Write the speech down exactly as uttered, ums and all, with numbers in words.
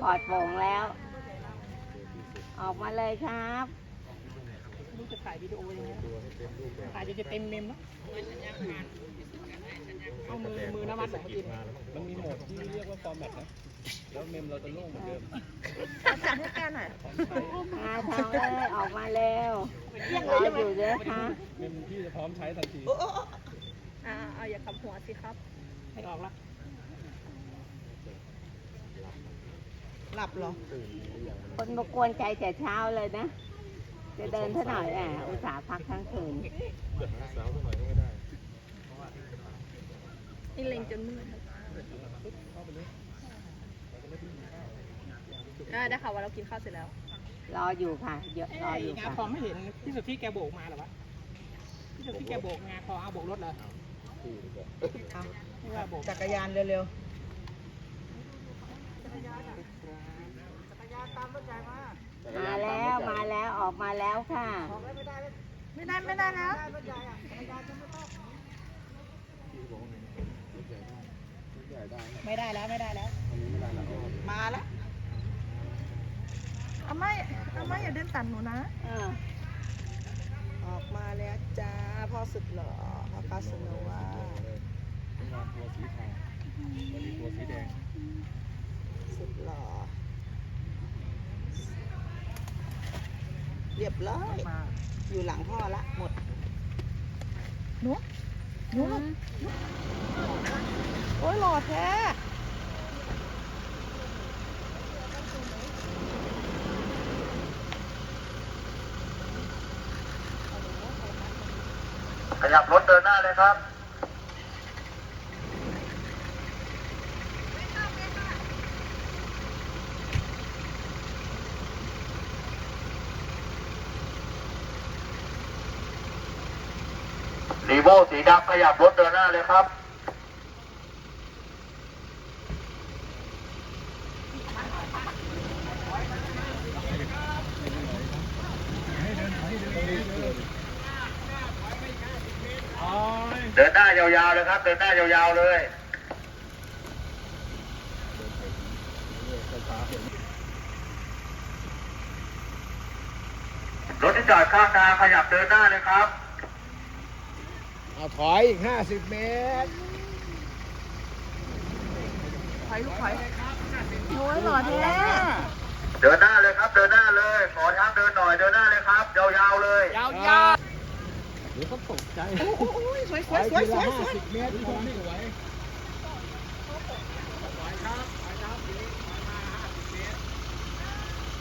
ปลอดโปร่งแล้ว ออกมาเลยครับรู้จะถ่ายวิดีโอยังไงถ่ายจะเต็มเมมแล้วเอามือมือน้ำมันของกินมันมีโหมดที่เรียกว่าฟอร์แมตนะแล้วเมมเราจะโล่งเหมือนเดิมจัดให้แกหน่อยมาทางเลยออกมาเร็วรออยู่เด้อค่ะเมมที่จะพร้อมใช้ทันทีอ่าเอาอย่าขับหัวสิครับให้ออกละหลับเหรอคนมากวนใจแต่เช้าเลยนะจะเดินเท่าหน่อยแหมอุตส่าห์พักทั้งคืนสาวหน่อยก็ไม่ได้นี่เล็งจนมืดได้ได้ค่ะว่าเรากินข้าวเสร็จแล้วรออยู่ค่ะเยอะรออยู่ค่ะพอไม่เห็นที่สุดที่แกโบกมาหรอวะที่สุดที่แกโบกงาพอเอาโบกรถเลยจักรยานเร็วมาแล้วมาแล้วออกมาแล้วค่ะไม่ได้ไม่ได้แล้วไม่ได้แล้วไม่ได้แล้วมาแล้วอาม่าอาม่าอย่าเดินตัดหนูนะออกมาแล้วจ้าพ่อสุดหล่อพ่อคาสโนวาตัวสีขาวตัวสีแดงสุดหล่อเรียบร้อยอยู่หลังพ่อละหมดหนูหนูโอ้ยหล่อแท้ขยับรถเดินหน้าเลยครับรีโวสีดำขยับรถเดินหน้าเลยครับเดินหน้ายาวๆเลยครับเดินหน้ายาวๆเลยรถที่จอดข้างทางขยับเดินหน้าเลยครับเอาถอยอีกห้าสิบเมตรถอยลูกถอยโอ้ยหล่อแท้เดินหน้าเลยครับเดินหน้าเลยขอทางเดินหน่อยเดินหน้าเลยครับยาวๆเลยยาวๆเดี๋ยวเขาตกใจโอ้ยสวยสวยสวยสวยห้าสิบเมตรที่ผมไม่ไหว